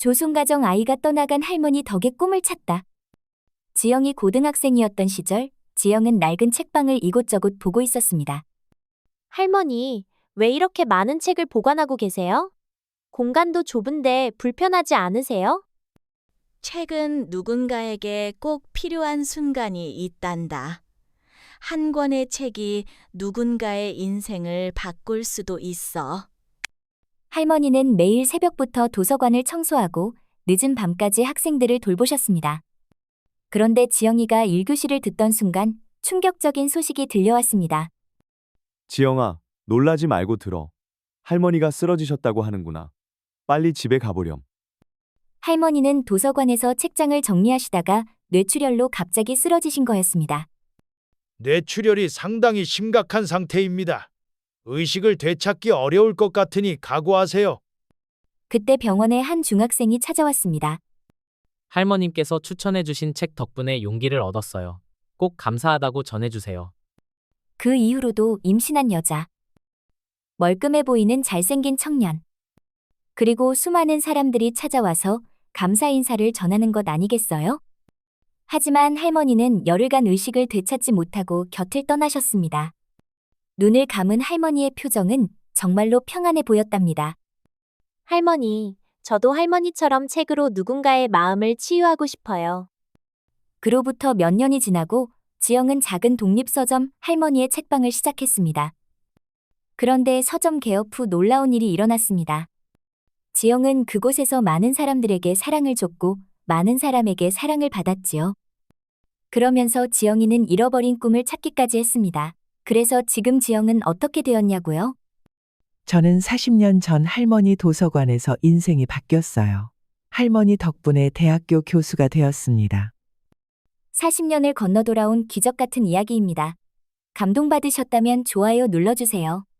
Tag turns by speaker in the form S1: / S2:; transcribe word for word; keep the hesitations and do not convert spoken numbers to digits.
S1: 조손가정 아이가 떠나간 할머니 덕에 꿈을 찼다. 지영이 고등학생이었던 시절, 지영은 낡은 책방을 이곳저곳 보고 있었습니다.
S2: 할머니, 왜 이렇게 많은 책을 보관하고 계세요? 공간도 좁은데 불편하지 않으세요?
S3: 책은 누군가에게 꼭 필요한 순간이 있단다. 한 권의 책이 누군가의 인생을 바꿀 수도 있어.
S1: 할머니는 매일 새벽부터 도서관을 청소하고 늦은 밤까지 학생들을 돌보셨습니다. 그런데 지영이가 일 교시를 듣던 순간 충격적인 소식이 들려왔습니다.
S4: 지영아, 놀라지 말고 들어. 할머니가 쓰러지셨다고 하는구나. 빨리 집에 가보렴.
S1: 할머니는 도서관에서 책장을 정리하시다가 뇌출혈로 갑자기 쓰러지신 거였습니다.
S5: 뇌출혈이 상당히 심각한 상태입니다. 의식을 되찾기 어려울 것 같으니 각오하세요.
S1: 그때 병원에 한 중학생이 찾아왔습니다.
S6: 할머님께서 추천해주신 책 덕분에 용기를 얻었어요. 꼭 감사하다고 전해주세요.
S1: 그 이후로도 임신한 여자, 멀끔해 보이는 잘생긴 청년, 그리고 수많은 사람들이 찾아와서 감사 인사를 전하는 것 아니겠어요? 하지만 할머니는 열흘간 의식을 되찾지 못하고 곁을 떠나셨습니다. 눈을 감은 할머니의 표정은 정말로 평안해 보였답니다.
S2: 할머니, 저도 할머니처럼 책으로 누군가의 마음을 치유하고 싶어요.
S1: 그로부터 몇 년이 지나고 지영은 작은 독립서점 할머니의 책방을 시작했습니다. 그런데 서점 개업 후 놀라운 일이 일어났습니다. 지영은 그곳에서 많은 사람들에게 사랑을 줬고 많은 사람에게 사랑을 받았지요. 그러면서 지영이는 잃어버린 꿈을 찾기까지 했습니다. 그래서 지금 지영은 어떻게 되었냐고요?
S7: 저는 사십 년 전 할머니 도서관에서 인생이 바뀌었어요. 할머니 덕분에 대학교 교수가 되었습니다.
S1: 사십 년을 건너 돌아온 기적 같은 이야기입니다. 감동받으셨다면 좋아요 눌러주세요.